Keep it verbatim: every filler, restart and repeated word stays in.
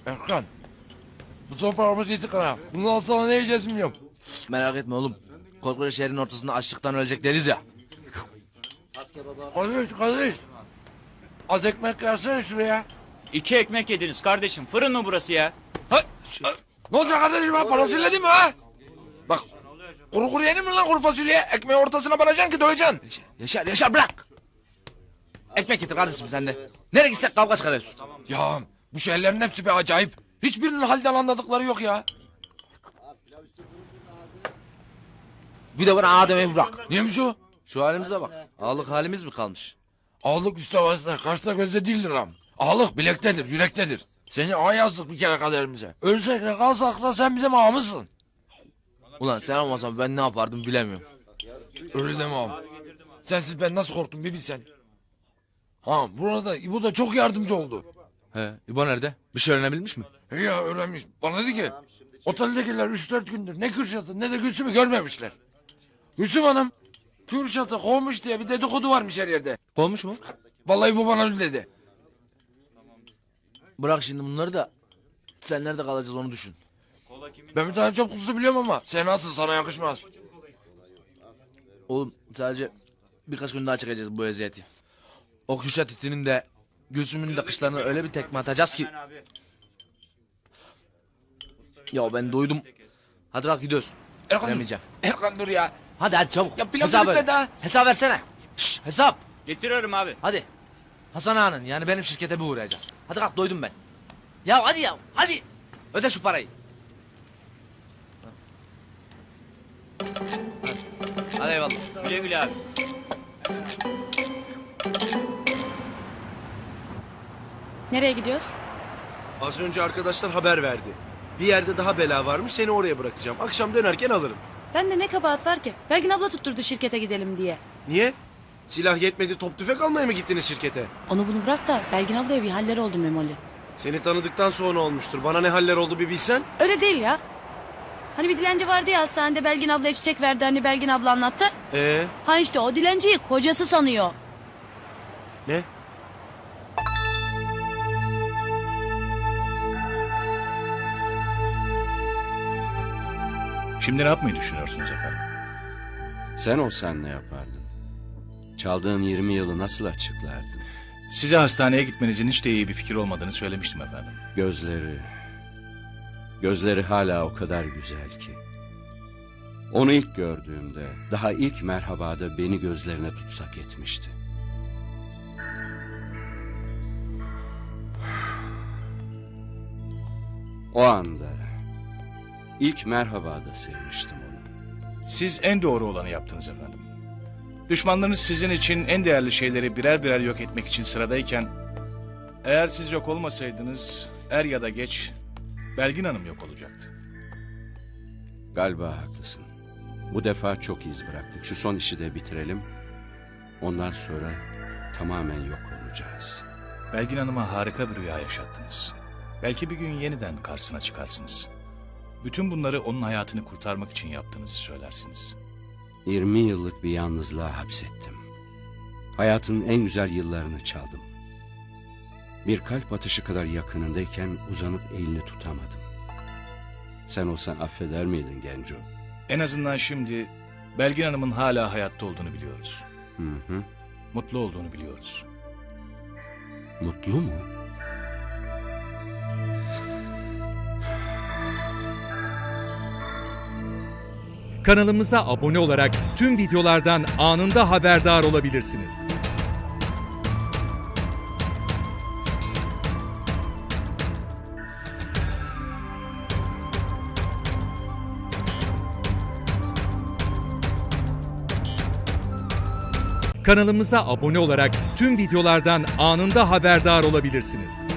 Erkan. Bu son paramız yedik ha. Bundan sonra ne yiyeceğiz bilmiyorum. Merak etme oğlum. Koskoca şehrin ortasında açlıktan ölecek deriz ya. Kardeş, kardeş. Az ekmek versene şuraya. İki ekmek yediniz kardeşim. Fırın mı burası ya? Ha, ha. Ne olacak kardeşim ha? Parasıyla değil mi ha? Bak. Kuru kuru yenir mi lan kuru fasulye? Ekmeği ortasına banacaksın ki doyacaksın. Yaşar, Yaşar bırak. Ekmek getir kardeşim sen de. Nereye gitsek kavga çıkarıyorsun. Ya bu şeylerin hepsi bir acayip. Hiçbirinin halden anladıkları yok ya. Bir de bana ağa demeyi bırak. Neymiş o? Şu halimize bak. Ağalık halimiz mi kalmış? Ağalık üstte vasıta, karşıda gözde değildir am. Ağalık bilektedir, yürektedir. Seni ağa yazdık bir kere kaderimize. Ölsek de kalsak da sen bizim ağamızsın. Ulan sen olmasan ben ne yapardım bilemiyorum. Öyle deme ağam. Sensiz ben nasıl korktum bir bilsen. Ha burada İbo da çok yardımcı oldu. He, İbo nerede? Bir şey öğrenebilmiş mi? He ya öğrenmiş. Bana dedi ki oteldekiler üç dört gündür ne Kürşat'ı ne de Gülsüm'ü görmemişler. Gülsüm Hanım Kürşat'ı kovmuş diye bir dedikodu varmış her yerde. Kovmuş mu? Vallahi bu bana öyle dedi. Bırak şimdi bunları da sen nerede kalacağız onu düşün. Ben bir tane çöp kutusu biliyorum ama sen nasıl sana yakışmaz. Oğlum sadece birkaç gün daha çekeceğiz bu eziyeti. O Kürşat itinin de Gülsüm'ün de kışlarına öyle bir tekme atacağız ki. Ya ben doydum. Hadi kalk gidiyoruz. Erkan dur. Veremeyeceğim. Erkan dur ya. Hadi hadi çabuk. Ya pilav Hesabı bitmedi ver. daha. Hesap versene. Şş, hesap. Getiriyorum abi. Hadi. Hasan Ağa'nın yani benim şirkete bir uğrayacağız. Hadi kalk doydum ben. Ya hadi ya hadi. Öde şu parayı. Hadi eyvallah. Güle güle abi. Nereye gidiyoruz? Az önce arkadaşlar haber verdi. Bir yerde daha bela varmış, seni oraya bırakacağım. Akşam dönerken alırım. Ben de ne kabahat var ki? Belgin abla tutturdu şirkete gidelim diye. Niye? Silah yetmedi, top tüfek almaya mı gittiniz şirkete? Onu bunu bırak da Belgin ablaya bir haller oldu Memoli. Seni tanıdıktan sonra olmuştur. Bana ne haller oldu bir bilsen. Öyle değil ya. Hani bir dilenci vardı ya hastanede Belgin ablaya çiçek verdi hani Belgin abla anlattı. Ee, Ha işte o dilenciyi kocası sanıyor. ne? Şimdi ne yapmayı düşünüyorsunuz efendim? Sen olsan ne yapardın? Çaldığın yirmi yılı nasıl açıklardın? Size hastaneye gitmenizin hiç de iyi bir fikir olmadığını söylemiştim efendim. Gözleri... Gözleri hala o kadar güzel ki. Onu ilk gördüğümde, daha ilk merhabada beni gözlerine tutsak etmişti. O anda, ilk merhabada sevmiştim onu. Siz en doğru olanı yaptınız efendim. Düşmanlarınız sizin için en değerli şeyleri birer birer yok etmek için sıradayken... eğer siz yok olmasaydınız er ya da geç Belgin Hanım yok olacaktı. Galiba haklısın. Bu defa çok iz bıraktık. Şu son işi de bitirelim. Ondan sonra tamamen yok olacağız. Belgin Hanım'a harika bir rüya yaşattınız. Belki bir gün yeniden karşısına çıkarsınız. Bütün bunları onun hayatını kurtarmak için yaptığınızı söylersiniz. yirmi yıllık bir yalnızlığa hapsettim. Hayatının en güzel yıllarını çaldım. Bir kalp atışı kadar yakınındayken uzanıp elini tutamadım. Sen olsan affeder miydin Genco? En azından şimdi Belgin Hanım'ın hala hayatta olduğunu biliyoruz. Hı hı. Mutlu olduğunu biliyoruz. Mutlu mu? Kanalımıza abone olarak tüm videolardan anında haberdar olabilirsiniz. Kanalımıza abone olarak tüm videolardan anında haberdar olabilirsiniz.